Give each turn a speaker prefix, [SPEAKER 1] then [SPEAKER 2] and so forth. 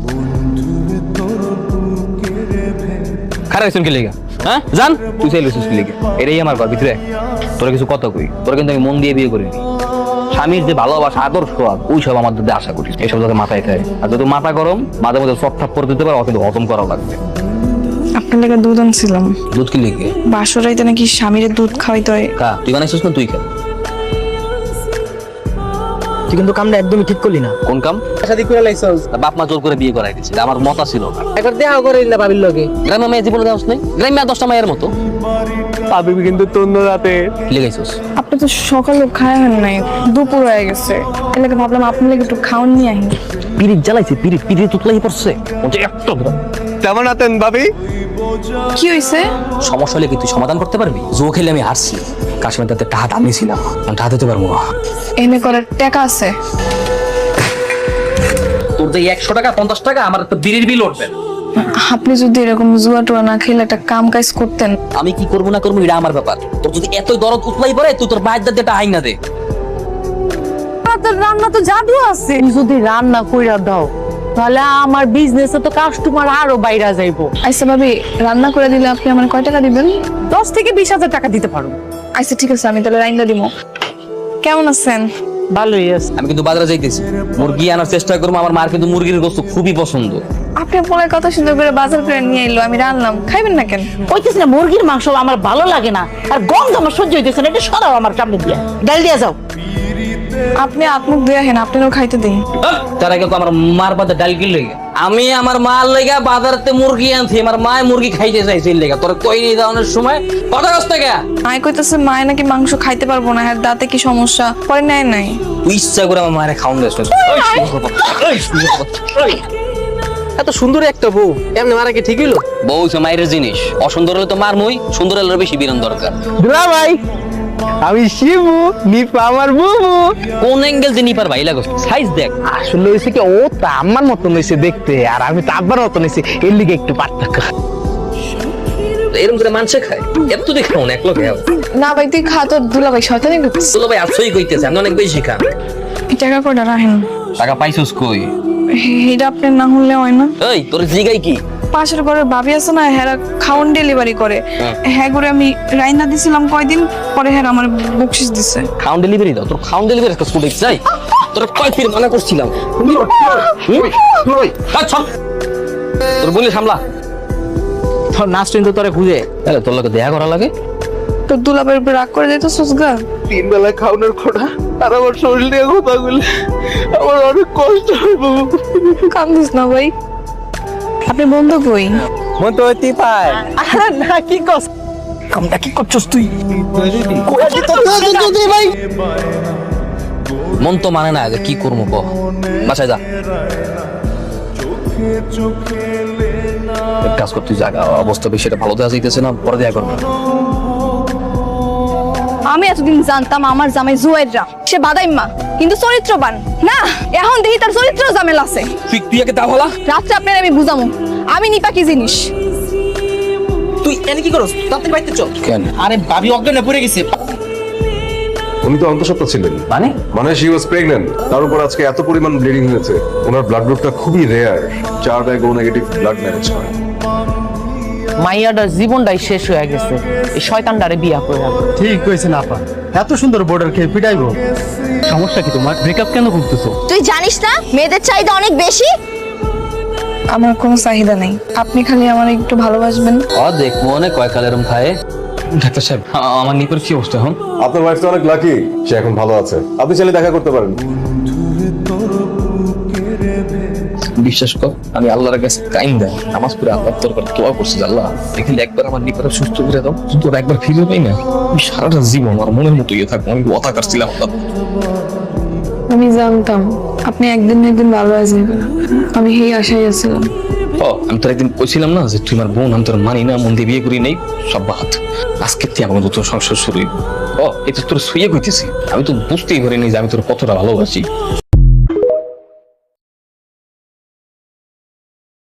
[SPEAKER 1] খারাপ হয়েছেন কি লেগা? হ্যাঁ জান তুই চাইলে কি লেগে? এটাই আমার ঘর ভিতরে তোরা কিছু কথা কই, তোরা কিন্তু আমি মন দিয়ে বিয়ে করিনি। স্বামীর যে ভালোবাসা আদর্শ ওই সব আমার দিকে আশা করি, এইসব যাতে মাথায় খায়। আর যদি মাথা গরম মাঝে মধ্যে সব থাপ করে দিতে পারো, কিন্তু হজম করা লাগবে।
[SPEAKER 2] আপনার লেগে দুধ আনছিলাম।
[SPEAKER 1] দুধ কি লেগে?
[SPEAKER 2] বাসরাইতে নাকি স্বামীর দুধ খাওয়াইতে হয়।
[SPEAKER 1] কা তুই বানাইছিস না? তুই খা।
[SPEAKER 3] তুই কিন্তু কামটা একদমই ঠিক করলি না।
[SPEAKER 1] কোন কাম?
[SPEAKER 3] শাদি করে লাইছস।
[SPEAKER 1] বাপ মা জোর করে বিয়ে করাই দিচ্ছে, আমার মতা ছিল না।
[SPEAKER 3] একবার দেখা করে না ভাবির লগে।
[SPEAKER 1] গ্রামে মেয়ে জীবনে দেওয়া নেই, গ্রামে 10টা মায়ের মতো।
[SPEAKER 3] ভাবি কিন্তু তন্ন রাতে
[SPEAKER 1] লেগাইছিস।
[SPEAKER 2] আপনি তো সকালে খায় হন নাই, দুপুর হয়ে গেছে। এর লাগে ভাবলাম আপনার লেগে একটু খাওয়ান নিয়ে আহি।
[SPEAKER 1] পিরিত জ্বালাইছে, পিরিত পিরিত তুতলাই পড়ছে। ওটা একটা
[SPEAKER 3] কেমন আছেন ভাবি?
[SPEAKER 2] কি হইছে?
[SPEAKER 1] সমস্যা হলে কি তুই সমাধান করতে পারবি? জো খেলে আমি হারছি, কাশ্মীর তাতে টাকা দামিয়েছিলাম, টাকা দিতে পারবো না।
[SPEAKER 2] এনে করার টাকা আছে?
[SPEAKER 1] তোর যে 100 টাকা 50 টাকা আমার একটা বিড়ির বিল উঠবে।
[SPEAKER 2] আপনি যদি এরকম জুয়া টুয়া না খেলে একটা কাম কাজ করতেন।
[SPEAKER 1] আমি কি করবো না করবো এটা আমার ব্যাপার। তোর যদি এতই দরদ উতলাই পড়ে তুই তোর বাইর দাঁত দিয়ে আইনা দে।
[SPEAKER 4] তোর রান্না তো জাদু আছে, তুমি যদি রান্না কইরা দাও তাহলে আমার বিজনেসে তো কাস্টমার আরো বাইরে যাইবো।
[SPEAKER 2] আচ্ছা ভাবি, রান্না করে দিলে আপনি আমার কয় টাকা দিবেন?
[SPEAKER 4] 10 থেকে 20,000 টাকা দিতে পারো।
[SPEAKER 2] আচ্ছা ঠিক আছে, আমি তাহলে রাইন্দা দিব। কেমন আছেন?
[SPEAKER 4] ভালোই আছে।
[SPEAKER 1] আমি কিন্তু বাজারে যাইতেছি, মুরগি আনার চেষ্টা করবো। আমার মার কিন্তু মুরগির গোশত খুবই পছন্দ।
[SPEAKER 2] আপনি বলে কত সুন্দর করে বাজার করে নিয়ে এলো, আমি রান্নাম, খাইবেন না কেন?
[SPEAKER 4] কইতেছি না মুরগির মাংস আমার ভালো লাগে না, আর গন্ধ আমার সহ্য হইতেছে না। এটা সরাও আমার সামনে দিয়া, ডাল দিয়া যাও।
[SPEAKER 2] আপনি আত্মুখ দিয়ে হেন, আপনারও খাইতে দিন।
[SPEAKER 1] তার আগে তো আমার মার বাদে ডাল কিল লেগে আমি আমার মার লেগা বাজারতে মুরগি আনছি। আমার মায় মুরগি খাইতে চাইছে লেগা। তোর কই নিয়ে যাওয়ানোর সময় কথা কষ্ট কে?
[SPEAKER 2] মায় কইতেছে মায় নাকি মাংস খাইতে পারবো না, হ্যাঁ দাঁতে কি সমস্যা, পরে নেয় নাই।
[SPEAKER 1] তুই ইচ্ছা করে আমার মায়ের খাওয়ান দিস।
[SPEAKER 3] এত সুন্দর একটা বউ এমনি মারা কি ঠিক হইলো?
[SPEAKER 1] বউ হচ্ছে মায়ের জিনিস, অসুন্দর হলে তো মার মই, সুন্দর হলে বেশি বিরান দরকার।
[SPEAKER 3] দুলা ভাই, আমি শিবু, নিপা আমার বুবু।
[SPEAKER 1] কোন অ্যাঙ্গেল দিয়ে নিপার ভাই লাগো, সাইজ দেখ।
[SPEAKER 3] আসলে হইছে কি, ও তো আমার মতন হইছে দেখতে, আর আমি তো আব্বার মতন হইছে, এর লিগে একটু পার্থক্য।
[SPEAKER 1] এরকম করে মানুষে খায়, এত তুই খাও না এক লোক।
[SPEAKER 2] না ভাই তুই খা, তোর দুলা ভাই শয়তানি করতেছে।
[SPEAKER 1] তোলো ভাই আসই কইতেছে আমি অনেক বেশি খান।
[SPEAKER 2] এই টাকা কয়টা রাখেন?
[SPEAKER 1] টাকা পাইছস কই?
[SPEAKER 2] এটা আপনার না হলে হয় না?
[SPEAKER 1] এই তোর জিগাই কি?
[SPEAKER 2] পাশের ঘরের ভাবি আছে না, হ্যাঁ খাওন ডেলিভারি করে। হ্যাঁ করে আমি রাইনা দিছিলাম কয়দিন পরে, হ্যাঁ আমার বকশিস দিছে।
[SPEAKER 1] খাউন ডেলিভারি দাও, তোর খাউন ডেলিভারি কাজ করে চাই। তোর কয় ফির মানা করছিলাম। আচ্ছা তোর বলি সামলা।
[SPEAKER 3] তোর নাচ কিন্তু তোরে খুঁজে।
[SPEAKER 1] তাহলে তোর লোকে দেখা করা লাগে।
[SPEAKER 2] তোর দুলা ভাইয়ের উপর রাগ করে দিত সুসগা।
[SPEAKER 3] 3 বেলা খাওয়ানোর খোটা, আর আমার শরীর নিয়ে কথা বলে আমার অনেক কষ্ট হয় বাবু।
[SPEAKER 2] কান্দিস না ভাই। আপনি বন্ধু কই?
[SPEAKER 3] মন তো হইতেই পায় না। কি কস কামটা কি করছস তুই? ভাই
[SPEAKER 1] মন তো মানে না, যে কি করবো ক? বাসায় যা, এক কাজ করতে জায়গা অবস্থা বেশি এটা ভালো দেওয়া যাইতেছে না, পরে দেখা করবো।
[SPEAKER 5] আমি এতদিন জানতাম আমার জামাই জুয়েররা সে বাদাইম্মা, কিন্তু চরিত্রবান না। এখন দেখি তার চরিত্র ঝামেলা আছে।
[SPEAKER 1] তুই একে তা বলা।
[SPEAKER 5] রাত্রে আপনার আমি বুঝামু আমি নিপা কি জিনিস।
[SPEAKER 3] তুই এনে কি করস? তাড়াতাড়ি বাইতে চল।
[SPEAKER 1] কেন?
[SPEAKER 3] আরে ভাবি অজ্ঞানে পড়ে গেছে।
[SPEAKER 6] উনি তো অন্তঃসত্ত্বা ছিলেন, মানে শি ওয়াজ প্রেগন্যান্ট। তার উপর আজকে এত পরিমাণ ব্লিডিং হয়েছে। ওনার ব্লাড গ্রুপটা খুবই rare, 4 bag O negative blood manage করে।
[SPEAKER 4] মাইয়াটার জীবনটাই শেষ হয়ে গেছে এই শয়তানটারে বিয়া করে।
[SPEAKER 7] ঠিক কইছে না আপা, এত সুন্দর বর্ডার খেয়ে পিটাইবো। সমস্যা কি তোমার? ব্রেকআপ কেন করতেছো?
[SPEAKER 5] তুই জানিস না মেয়েদের চাহিদা অনেক বেশি।
[SPEAKER 2] আমার কোনো চাহিদা নেই, আপনি খালি আমার একটু ভালোবাসবেন।
[SPEAKER 1] দেখ মনে কয় কাল এরম খায়। ডাক্তার সাহেব আমার নিপের কি অবস্থা এখন?
[SPEAKER 6] আপনার ওয়াইফ তো অনেক লাকি, সে এখন ভালো আছে। আপনি চাইলে দেখা করতে পারেন।
[SPEAKER 1] বিশ্বাস কর আমি আল্লাহর কাছে কাইন দেয় নামাজ পড়ে আল্লাহর দরবারে দোয়া করছি, আল্লাহ দেখলে একবার আমার নিপারে সুস্থ করে দাও, কিন্তু ওরা একবার ফিরে পাই না। আমি সারাটা জীবন আমার মনের মতো ইয়ে থাকবো। আমি কথা কাটছিলাম।
[SPEAKER 2] আমি জানতাম আপনি একদিন না একদিন ভালো হয়ে যাবেন, আমি সেই আশায় আছিলাম।
[SPEAKER 1] আমি তোর একদিন কইছিলাম না যে তুই আমার বোন, আমি তোর মানি না, মন দিয়ে বিয়ে করি নেই, সব বাদ। আজকে তুই আমার নতুন সংসার শুরু। এই তো তোর শুয়ে কইতেছি, আমি তো বুঝতেই পারিনি যে আমি তোর কতটা ভালোবাসি।